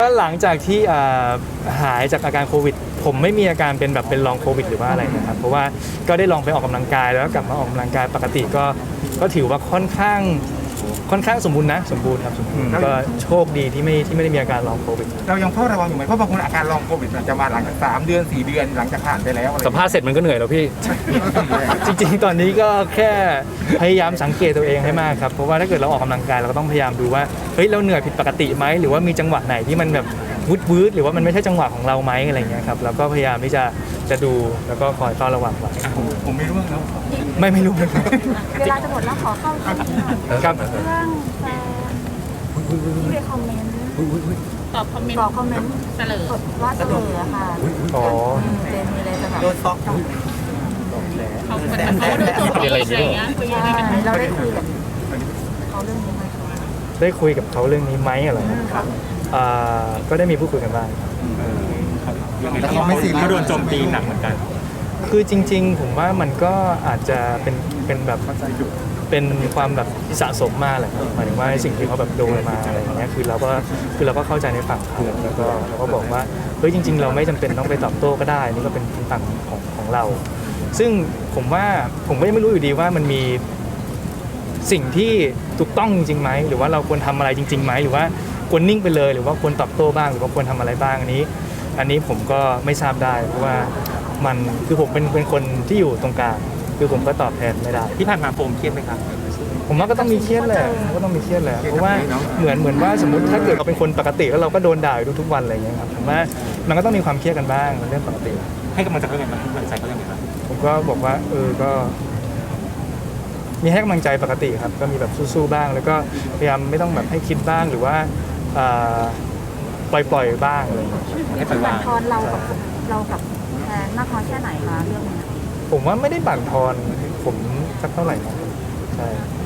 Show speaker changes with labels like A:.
A: ก็หลังจากที่หายจากอาการโควิดผมไม่มีอาการเป็นแบบเป็นลองโควิดหรือว่าอะไรนะครับเพราะว่าก็ได้ลองไปออกกำลังกายแล้วก็กลับมาออกกำลังกายปกติก็ถือว่าค่อนข้างสมบูรณ์นะสมบูรณ์ครับสมบูรณ์ก็โชคดีที่ไม่ได้มีอาการลองโควิด
B: เรายังเฝ้าระวังอยู่ไหมเพราะบางคนอาการลองโควิดมันจะมาหลังจาก3 เดือน 4 เดือนหลังจากผ่านไปแล้ว
C: สัมภาษณ์เสร็จมันก็เหนื่อยแล้วพี่
A: จริงๆตอนนี้ก็แค่พยายามสังเกตตัวเองให้มากครับเพราะว่าถ้าเกิดเราออกกำลังกายเราก็ต้องพยายามดูว่าเฮ้ยเราเหนื่อยผิดปกติไหมหรือว่ามีจังหวะไหนที่มันแบบวืดหรือว่ามันไม่ใช่จังหวะของเราไหมอะไรเงี้ยครับแล้วก็พยายามที่จะดูแล้วก็คอยเฝ้าระวังไว้
B: ผมไม่ร่วงแล้ว
A: ไม่รู้เลย
D: เวลาจะหมดแล้วขอเข้าเรื่องนี้หน่อย
A: ครับ
D: เรื่องแฟนที่ไปคอมเมนต์
E: ตอบคอมเมนต์
D: ตอบคอมเมนต์
E: เสลอ
D: ว่าเสลอค่ะ
A: อ๋อ
D: เจนมีอะไรจะแบบ
B: โดนซอก
E: เขาเหมือนเขาดูตัวผิดอะไรอย่างเงี้ยคุยยังไงกัน
D: เราได้คุยกับเขาเรื่องนี้ไหมคะ
A: ได้คุยกับเขาเรื่องนี้ไหมอะไรครับก็ได้มีพูดคุยกันบ้างครับ
B: แต่เขาไม่ซีเรียส
F: ก็โดนโจมตีหนักเหมือนกัน
A: คือจริงๆผมว่ามันก็อาจจะเป็นแบบเป็นความแบบสะสมมาแหละครับหมายถึงว่าสิ่งที่เขาแบบโดนมาอะไรอย่างเงี้ยคือเราก็เข้าใจในฝั่งเขาแล้วก็เราก็บอกว่าเฮ้ยจริงๆเราไม่จำเป็นต้องไปตอบโต้ก็ได้นี่ก็เป็นฝั่งของเรา ซึ่งผมว่าผมก็ยังไม่รู้อยู่ดีว่ามันมีสิ่งที่ถูกต้องจริงๆไหมหรือว่าเราควรทำอะไรจริงๆไหมหรือว่าควรนิ่งไปเลยหรือว่าควรตอบโต้บ้างหรือว่าควรทำอะไรบ้างอันนี้ผมก็ไม่ทราบได้เพราะว่ามันคือผมเป็นคนที่อยู่ตรงกลางคือผมก็ตอบแทนไม่ได้
F: ที่ผ่านมาโฟมเครียดไหมครับ
A: ผมว่าก็ต้องมีเครียดแหละก็ต้องมีเครียดแหละเพราะว่าเหมือนว่าสมมติถ้าเกิดเราเป็นคนปกติแล้วเราก็โดนด่าอยู่ทุกๆวันอะไรอย่างเงี้ยครับผมว่ามันก็ต้องมีความเครียดกันบ้างเป็นเรื่องปกติ
F: ให้กำลังใจเขาอย่างไรให้กำลังใจเขาอย่างไรครับ
A: ผมก็บอกว่าก็มีให้กำลังใจปกติครับก็มีแบบสู้ๆบ้าง แล้วก็พยายามไม่ต้องแบบให้คิดบ้างหรือว่าปล่อยบ้างอะไรอย่างเงี้ย
F: ให้ปล่อยวาง
D: ทอนเรากับแฟนมากน้อยแค่ไหนคะเรื่องนี้
A: ผมว่าไม่ได้บั่นทอนผมสักเท่าไหร่นะใช่